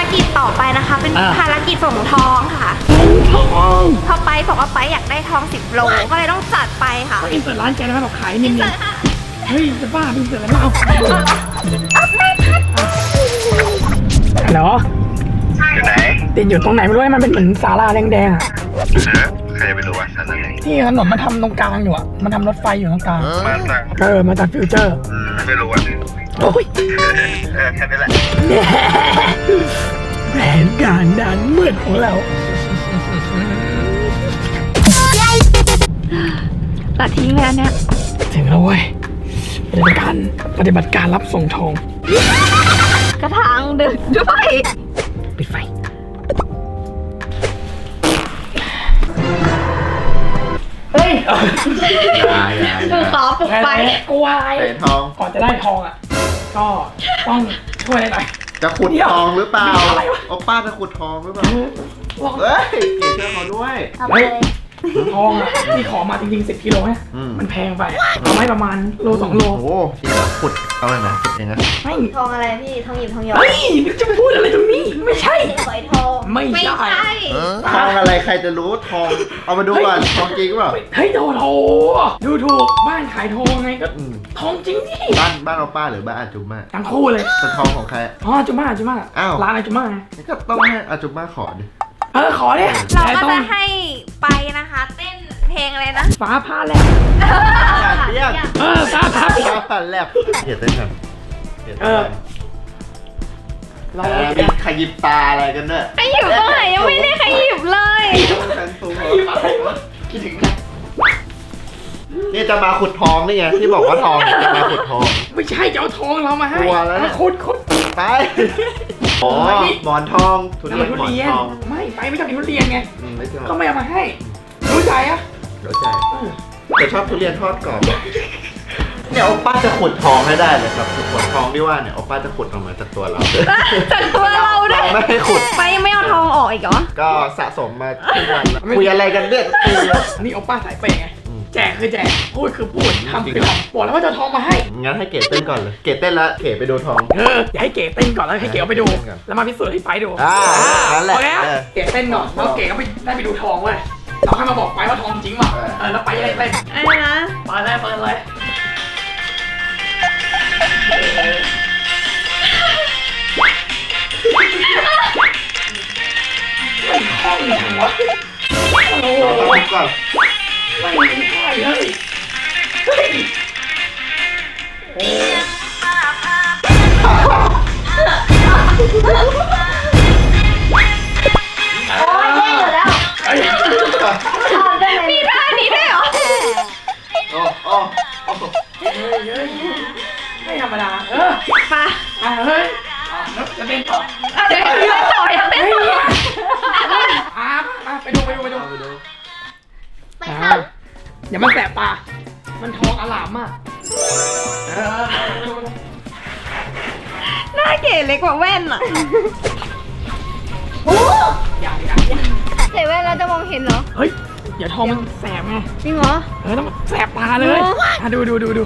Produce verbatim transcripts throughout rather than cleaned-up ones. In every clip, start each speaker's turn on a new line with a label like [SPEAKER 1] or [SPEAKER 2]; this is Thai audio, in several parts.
[SPEAKER 1] กิจต่อไปนะคะเป็นภารกิจส่งทองค่ะทองพอไปบอกว่าไปอยากได้ทองสิบโลก็เลยต้องจัดไปค่ะ
[SPEAKER 2] อินเสิร์ตร้านแกนะแบบขายนิ่มๆเฮ้ยจะบ้าอินเสิร์ตแล้วเอาเหรอ
[SPEAKER 3] อยู่ไหน
[SPEAKER 2] ติดอยู่ตรงไหนไม่รู้มันเป็นเหมือนศาลาแดงๆอ่ะ
[SPEAKER 3] ใครจะไปรู้ว่าฉันนั่นเอง
[SPEAKER 2] ที่ถนนมันทำตรงกลางอยู่อ่ะมันทำรถไฟอยู่ตรงกลาง
[SPEAKER 3] มาจาก
[SPEAKER 2] เออมาจากฟิวเจอร์
[SPEAKER 3] ไม่รู้อ่ะ
[SPEAKER 2] โอ้ย
[SPEAKER 3] เออแค่นี้แหละ
[SPEAKER 2] แผนการดันมืดของเรา
[SPEAKER 1] ตัดทิ้งแล้วเนี่ย
[SPEAKER 2] ถึงแล้วเว้ยปฏิบัติการปฏิบัติการรับส่งทอง
[SPEAKER 1] กระถางดึกด้วย
[SPEAKER 2] ปิดไฟเฮ้ย
[SPEAKER 1] คือขอปลุกไฟ
[SPEAKER 2] กลัวอะไร
[SPEAKER 3] ทอง
[SPEAKER 2] ก่อนจะได้ทองอ่ะก็ต้องช่วยหน่อย
[SPEAKER 3] จะขุดทองหรือเปล่าโอป้าจะขุดทองหรือเปล่าเฮ้ยเก๋เชื่อเขาด้วย
[SPEAKER 2] ทองอ่ะที่ขอมาจริงๆสิบกิโลเนี่ยมันแพงไปเอาไว้ประมาณโลสองโล
[SPEAKER 3] โอ้ที่ขุดเอาเลยนะขุดเองนะ
[SPEAKER 2] ไม่
[SPEAKER 1] ทองอะไรพี่ทองหยิบทองหยอด
[SPEAKER 2] เฮ้ยจะพูดอะไรตรงนี้ไม่ใช่
[SPEAKER 1] ฝอยทอง
[SPEAKER 2] ไม่ใช่
[SPEAKER 3] ทองอะไรใครจะรู้ทองเอามาดูก่อนทองจริงเปล่า
[SPEAKER 2] เฮ้ยโถโถดูถูกบ้านขายทองไงก็ทองจริงดิ
[SPEAKER 3] บ้านบ้านเอาป้าหรือบ้านอาจุม่า
[SPEAKER 2] ทั้งคู่เลย
[SPEAKER 3] เป็นทองของใคร
[SPEAKER 2] อ๋ออาจุม่าอาจุม่าอ้าวร้านอาจุม่าไง
[SPEAKER 3] ก็ต้องให้อาจุม่าขอดิ
[SPEAKER 2] เออขอเนี่ย
[SPEAKER 1] เราก็จะให้ไปนะคะเต้นเพลงอะไรนะ
[SPEAKER 2] ฟ้าผ่าแลบ
[SPEAKER 3] เปี้ยง
[SPEAKER 2] เออฟ้าผ่า
[SPEAKER 3] ฟ้าผ่าแลบเห็นได้ไง
[SPEAKER 2] เออ
[SPEAKER 3] เราเป็นขยิบตาอะไรกันเนี่ย
[SPEAKER 1] ขยิบตรงไหนยังไม่ได้ขยิบเลย
[SPEAKER 3] คิดถึงนะนี่จะมาขุดทองนี่ไงที่บอกว่าทองจะมาขุดทอง
[SPEAKER 2] ไม่ใช่จะเอาทองเรามาให้
[SPEAKER 3] ตัวแล้ว
[SPEAKER 2] ขุดขุด
[SPEAKER 3] ไปอ๋อหมอนทองทุเรียนหมอนทอง
[SPEAKER 2] ไม่ไปไม่ชอบกินทุเรียนไงก็ไม่เอามาให้รู้ใจอ่ะ
[SPEAKER 3] รู้ใจแต่ชอบทุเรียนทอดกรอบเนี่ยโอป้าจะขุดทองให้ได้เลยครับขุดทองที่ว่าเนี่ยโอป้าจะขุดออกมาจากตัวเรา
[SPEAKER 1] จากตัวเราด้วย
[SPEAKER 3] ไม่ให้ขุด
[SPEAKER 1] ไปยังไม่เอาทองออกอีกเหรอ
[SPEAKER 3] ก็สะสมมาทุกวันแล้วคุยอะไรกันเนี่ย
[SPEAKER 2] นี่โอป้าสายเปย์ไงแจกคือแจกพูดคือพูดทำคือทำบอกแล้วว่าจะทองมาให้
[SPEAKER 3] งั้นให้เก๋เต้นก่อนเลยเก๋เต้นแล้วเก๋ไปดูทอง
[SPEAKER 2] เอออย่าให้เก๋เต้นก่อนแล้วให้เก๋เอาไปดูแล้วมาพิสูจน์ให้ไฟดู
[SPEAKER 3] อ่านั่นแหละ
[SPEAKER 2] เก๋เต้นก่อนแล้วเก๋ก็ไปได้ไปดูทองเว้ยเราให้มาบอกไปว่าทองจริงป่ะเออแล้วไปอะไรเต้น
[SPEAKER 1] อะไรนะ
[SPEAKER 2] ไปเลยเปิดเลยไม่คล่องจังวะโอ้โห
[SPEAKER 3] ก่อน
[SPEAKER 2] ไม่ใช่เลยเฮ้ยโอ้
[SPEAKER 1] โอ้ยแย่อยู่แล้วมีท่านี้ด้วยเหรอ
[SPEAKER 3] โอ้โอ้
[SPEAKER 2] ไม่ธรรมดาเออ
[SPEAKER 1] มา
[SPEAKER 2] เฮ้ยจะเต้นต่อ
[SPEAKER 1] เต้นต่อยังเต้นต่อ
[SPEAKER 2] อ่ะมาไปดูไปดูไปดู
[SPEAKER 1] ไปค่ะ
[SPEAKER 2] อย่ามันแสบตามันทองอลามมาก
[SPEAKER 1] หน้าเก๋เล็กกว่าแว่นอ่ะโอ้
[SPEAKER 2] ยากยาก
[SPEAKER 1] ใส่แว่นแล้วจะมองเห็นเหรอ
[SPEAKER 2] เฮ้ยอย่าทองมันแสบไง
[SPEAKER 1] จริงเหรอ
[SPEAKER 2] เออต้องแสบตาเลยดูดูดูดู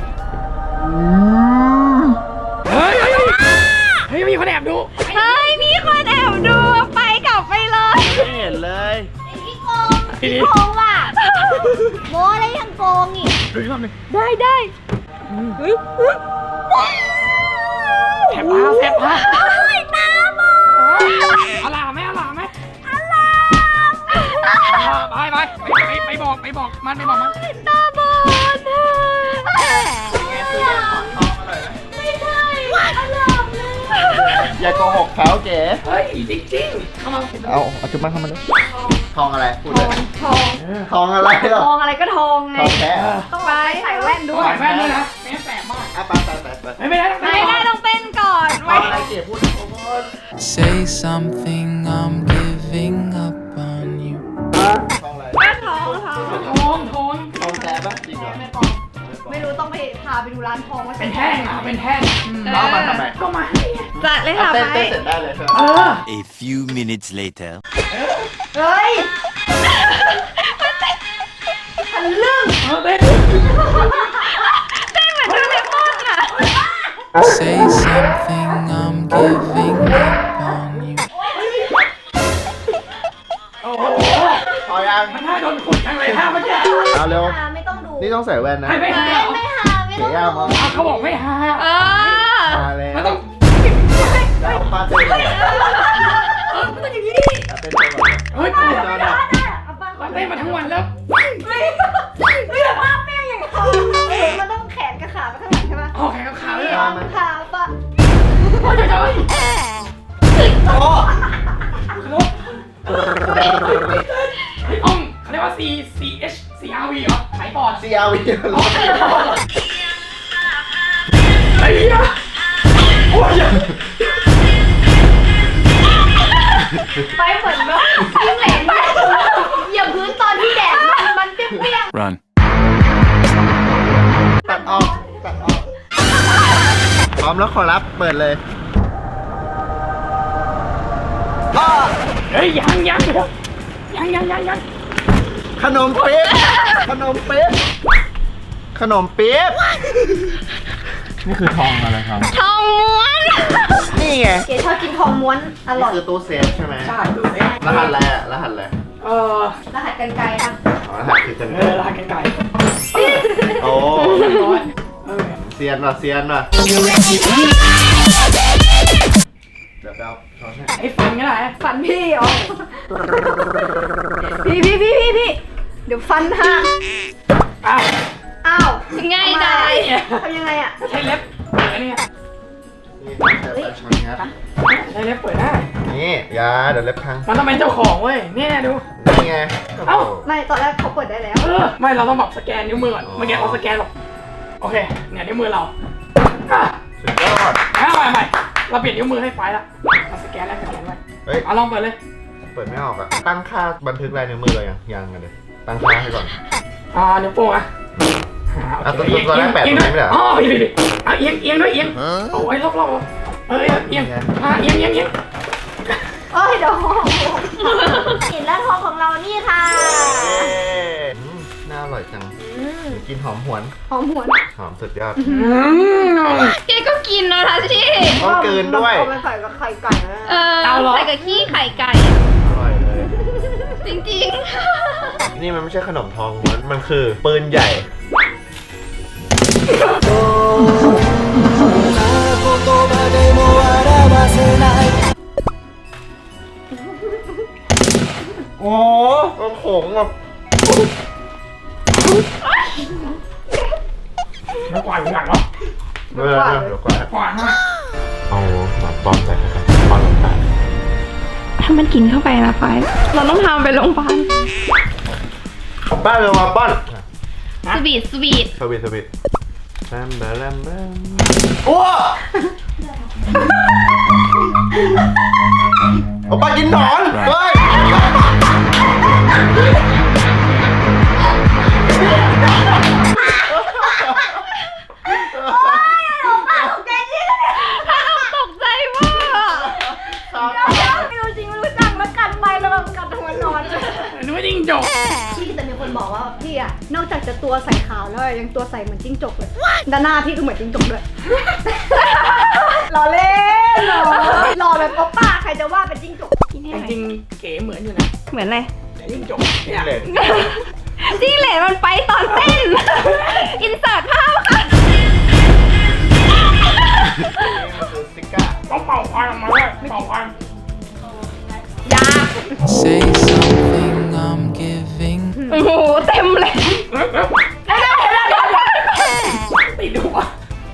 [SPEAKER 2] เฮ้ยเฮ้ยเฮ้ยมีคนแอบดู
[SPEAKER 1] เฮ้ยมีคนแอบดูไปกลับไปเลย
[SPEAKER 3] ไม่เห็นเลย
[SPEAKER 1] พี่โกงพี่โกงว่ะโม้อะไรยังโกงอีก
[SPEAKER 2] ดูอีกรอบหนึ่ง
[SPEAKER 1] ได้ได้เฮ้ย
[SPEAKER 2] แสบตาแสบตา
[SPEAKER 1] ตาบอด
[SPEAKER 2] อลาไหมอลาไหม
[SPEAKER 1] อลา
[SPEAKER 2] ไปไปไปไปบอกไปบอกมันไปบอกมัน
[SPEAKER 1] ตาบอดไม่ใช่อลามเลย
[SPEAKER 3] อย่าโกหกเขาเก๋
[SPEAKER 2] เฮ้ยจริงๆเข้ามา
[SPEAKER 3] เอาเอาจุ๊บมาเข้ามาเลยทองอะไรพูดเลย
[SPEAKER 1] ทอง
[SPEAKER 3] ทองอะไรหรอ
[SPEAKER 1] ทองอะไรก็ทองไง
[SPEAKER 3] ทองแท้
[SPEAKER 1] ต้องไปใส่แว่นด้วย
[SPEAKER 2] ใส่แว่นด้วยนะไม่แสบมาก
[SPEAKER 3] อ่ะไปไปไปไป
[SPEAKER 2] ไม่ได้
[SPEAKER 1] ไม่ได้ต้องเต้นก่อน
[SPEAKER 3] ทองอะไรเก๋พูด
[SPEAKER 4] Say something I'm giving up on you
[SPEAKER 3] ทองอะไร
[SPEAKER 1] ทองทอง
[SPEAKER 2] ทองทอง
[SPEAKER 3] ทองแท้ปะจริงเหรอ
[SPEAKER 1] ไม่รู้ต้องไปพาไปดูร้านทองว่า
[SPEAKER 2] เป็นแท่งอ่ะเป็นแท่ง
[SPEAKER 3] แล้วมาทำไม
[SPEAKER 2] ก็มา
[SPEAKER 1] จัดเลยค่ะ
[SPEAKER 3] ไปเต้นเสร็จได้เลยเอ
[SPEAKER 4] อ A few minutes later
[SPEAKER 1] เฮ้ยทันเรื่อง
[SPEAKER 2] เต้น
[SPEAKER 1] เต้นเหมือนโดเรมอนอ่ะ
[SPEAKER 4] Say something I'm giving up on you
[SPEAKER 3] เอาเร็ว
[SPEAKER 1] หาไม่ต้องดู
[SPEAKER 3] นี่ต้องใส่แว่นนะ
[SPEAKER 2] ให้ไม่หาเหรอ
[SPEAKER 1] ไม่หาไม่
[SPEAKER 3] เก๋
[SPEAKER 1] ต้อง
[SPEAKER 3] ย่า
[SPEAKER 1] ดู
[SPEAKER 3] มา
[SPEAKER 2] อ่ะเขาบอกไม่หา
[SPEAKER 1] เออ
[SPEAKER 3] มาแล้ว
[SPEAKER 2] มันต้อง
[SPEAKER 3] แล้วป้าเต้นเลย
[SPEAKER 2] เออมันต้องอย่างนี้
[SPEAKER 3] เต้นเต้นก่อน
[SPEAKER 2] เฮ้ย
[SPEAKER 3] เต้นก่อนนะ
[SPEAKER 2] เราเต้นมาทั้งวันแล้ว
[SPEAKER 1] ไม่ไม่ภาพแม่งอย่างเขามันต้องแขนกับขาไปข้างหลังใช่ปะ
[SPEAKER 2] อ๋อแขนกับขาเลยเหร
[SPEAKER 3] มา
[SPEAKER 2] อ
[SPEAKER 3] มัน
[SPEAKER 1] ขาปะ
[SPEAKER 2] โอ้ยเดี๋ยวเดี๋ยว
[SPEAKER 3] โอ้
[SPEAKER 2] ขนมไอ้อ่องเขาเรียกว่า C C H C R V เหรอขายปอด
[SPEAKER 3] ซีอาวี
[SPEAKER 2] ไอ้เหี้ยโอ้ย
[SPEAKER 1] ไปเหมือนแบบยิ่งเหลนไปเหยียบพื้นตอนที่แดดมันมันเปรี้ยง
[SPEAKER 4] Run.
[SPEAKER 3] ตัดออกตัดออกพร้อมแล้วขอรับเปิดเลยอ้อ
[SPEAKER 2] เฮ้ยยังยังยังยังยังยัง
[SPEAKER 3] ขนมเปี๊ยะขนมเปี๊ยะขนมเปี๊ยะนี่คือทองอะไรครับ
[SPEAKER 1] ๆทองม้วน
[SPEAKER 3] นี่ไง
[SPEAKER 1] เก๋ชอบกินทองม้วนอร่อย
[SPEAKER 3] นี่คือตู้เซฟใช่ไหม
[SPEAKER 2] ใช่ดูสิ
[SPEAKER 3] รหัสอะไรอะรหัสอะไร
[SPEAKER 2] เออ
[SPEAKER 1] รหัสกันไกลครับ
[SPEAKER 3] อ๋อรหัสคือกัน
[SPEAKER 2] เออลากันไก่
[SPEAKER 3] โอ้
[SPEAKER 2] ร้อยเออ
[SPEAKER 3] เซียนว่ะเซียนว่ะเดี๋ยวไปเอาช้อนให้
[SPEAKER 2] ไอ้ฟันก็ได้
[SPEAKER 1] ฟันพี่เหรอพี่พี่พี่พี่พี่เดี๋ยวฟันหัก
[SPEAKER 2] อ้าว
[SPEAKER 1] อ้าวง่ายได้
[SPEAKER 2] เนี่ย
[SPEAKER 1] ทำยังไงอ่ะ
[SPEAKER 2] ใช้เล็บเปิดเนี่ย
[SPEAKER 3] นี่ใช้ช้อนงัด
[SPEAKER 2] ใช้เล็บเปิดได้
[SPEAKER 3] นี่อยาเดี๋ยวเล็บพัง
[SPEAKER 2] มันต้องเป็นเจ้าของเว้ยเนี่ยดู
[SPEAKER 3] นี่ไง
[SPEAKER 2] เอ้า
[SPEAKER 1] ไม่ตอนแรกเขาเปิดได้แล้ว
[SPEAKER 2] เออไม่เราต้องแบบสแกนนิ้วมือก่อนเมื่อกี้เราสแกนหรอกโอเคเนี่ยนิ้วมือเราอ่ะ
[SPEAKER 3] สุดยอด
[SPEAKER 2] อ่ะใหม่ใหม่เราเปลี่ยนนิ้วมือให้ไฟละเราสแกนแล้วสแกนไว้
[SPEAKER 3] เฮ้ย
[SPEAKER 2] เอาลองเปิดเลย
[SPEAKER 3] เปิดไม่ออกอะตั้งค่าบันทึกลายนิ้วมือเลยยังยังกันเลยตั้งค่าให้ก่อน
[SPEAKER 2] อ่านิ้วโป้งอ่ะ
[SPEAKER 3] อ่ะตัวตัวตัวแรกแปะตรงนี้ไม่ได้เหรอ
[SPEAKER 2] อ๋อผิดผิดผิดอ่ะเอียงเอียงด้วยเอียงเอาไว้รอบๆเออเอียงอ่ะเอียงเอียงเอียง
[SPEAKER 1] โอ้ยเดี๋ยวเห็นแล้วทองของเรานี่ค่ะ
[SPEAKER 3] อืมน่าอร่อยจังกินหอมหวน
[SPEAKER 1] หอมหวน
[SPEAKER 3] หอมสุดยอด
[SPEAKER 2] อืม
[SPEAKER 5] เจ๊ก็กินนะทัชชี่
[SPEAKER 3] ต้องกลืนด้วย
[SPEAKER 1] เอาไปใส่กับไข่ไก่นะ
[SPEAKER 5] เออ
[SPEAKER 2] เอาเหรอ
[SPEAKER 5] ใส่กับขี้ไข่ไก่
[SPEAKER 3] อร่อยเลย
[SPEAKER 5] จริง
[SPEAKER 3] นี่มันไม่ใช่ขนมทองม้วนมันคือปืนใหญ่ โอ้โหมันโขงแบบ
[SPEAKER 2] แล้วกวาดอยู่หลังเหรอ
[SPEAKER 3] เดี๋ยวเดี๋ยวเดี๋ยวก่อน
[SPEAKER 2] กวาดฮะ
[SPEAKER 3] เอาหมาป้อนใส่กันป้อนลงไป
[SPEAKER 5] ถ้ามันกินเข้าไปนะไฟเราต้องทำไปโรงพยาบาล
[SPEAKER 3] ป้าเร็วมาป้อน
[SPEAKER 5] สวีทสวีท
[SPEAKER 3] สวิตสวิตแบมแบมแบมโอ้เอาป้ากินหนอนเฮ้ย
[SPEAKER 5] ตกใจมาก
[SPEAKER 1] ไม่รู้จริงไม่รู้จังแล้วกันไปแล้วแบบกัดหัวนอน
[SPEAKER 2] นึกว่าจิ้งจก
[SPEAKER 1] พี่แต่มีคนบอกว่าพี่อะนอกจากจะตัวใส่ขาวแล้วยังตัวใส่เหมือนจิ้งจกเลยด้านหน้าพี่ก็เหมือนจิ้งจกด้วยหล่อเล่นหล่อหล่อแบบโอป้าใครจะว่าเป็นจิ้งจก
[SPEAKER 5] กินให้
[SPEAKER 2] แต่
[SPEAKER 5] หน่อย
[SPEAKER 2] จริงๆเก๋เหมือนอยู่นะ
[SPEAKER 5] เหมือนอะไร
[SPEAKER 2] แต่จิ้งจกเนี่ย
[SPEAKER 3] เล่น
[SPEAKER 5] จิ้งเหลนมันไปตอนเต้น อินเสิร์ตภาพค่ะ
[SPEAKER 3] ซิก้า
[SPEAKER 2] ต้องเป่าควันออกมาด้วยเป่าควัน
[SPEAKER 1] ยา
[SPEAKER 4] Say something I'm giving.
[SPEAKER 5] โอ้โหเต็มเลย
[SPEAKER 2] เร็วเร็วติดดูวะ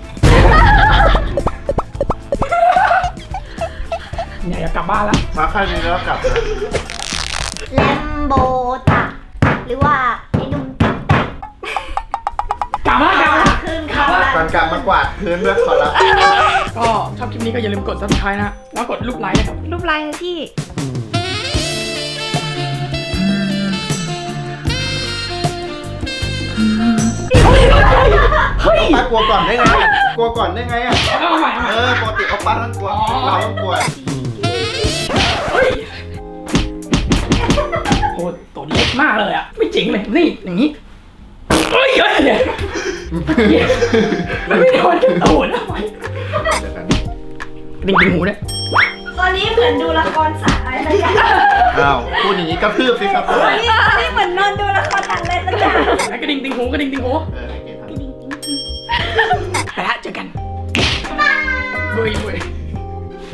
[SPEAKER 2] เนี่ยอยากกลับบ้านแล้ว
[SPEAKER 3] มาค่ายนี้แล้วกลับนะ
[SPEAKER 1] แลมโบตะหรือว่าไอ้นุ่มติ๊กแตก
[SPEAKER 2] กลับแล้วกลับแล้ว
[SPEAKER 1] ขึ้น
[SPEAKER 2] กลับแล้ว
[SPEAKER 3] ก่อนกลับมากวาดพื้นด้วยขอรับ
[SPEAKER 2] ก็ชอบคลิปนี้ก็อย่าลืมกด ซับสไครบ์ นะ แล้วกดรูปไลค์นะครับ
[SPEAKER 5] รูปลายนะพี่
[SPEAKER 2] เฮ้ย
[SPEAKER 3] ป้ากลัวก่อนได้ไงอะกลัวก่อนได้ไงอ่ะ
[SPEAKER 2] เอาใหม่เอาใหม่
[SPEAKER 3] เออปกติเอาป้าต้องกลัว เราต้องกลัว
[SPEAKER 2] เฮ้ยโอ้ตัวเล็กมากเลยอ่ะ ไม่จริงเลย นี่อย่างนี้เฮ้ยเฮ้ยเดี๋ยวมันไม่โดนกระตูนเอาไว้ดิ่งดิ่งหูด้วย
[SPEAKER 1] ตอนนี้เหมือนดูละครสัตว์อะไรสักอย่าง
[SPEAKER 3] อ้าวพูดอย่างนี้กระทืบสิครับ
[SPEAKER 1] ตอนนี้ตอนนี้เหมือนนอนดูละครสัตว์อะไรสักอย่าง
[SPEAKER 2] แล้วกระดิ่งติงหูกระดิ่งติงหู
[SPEAKER 3] เออให้เกดทำ
[SPEAKER 2] ไปละเจอกันบุยบุย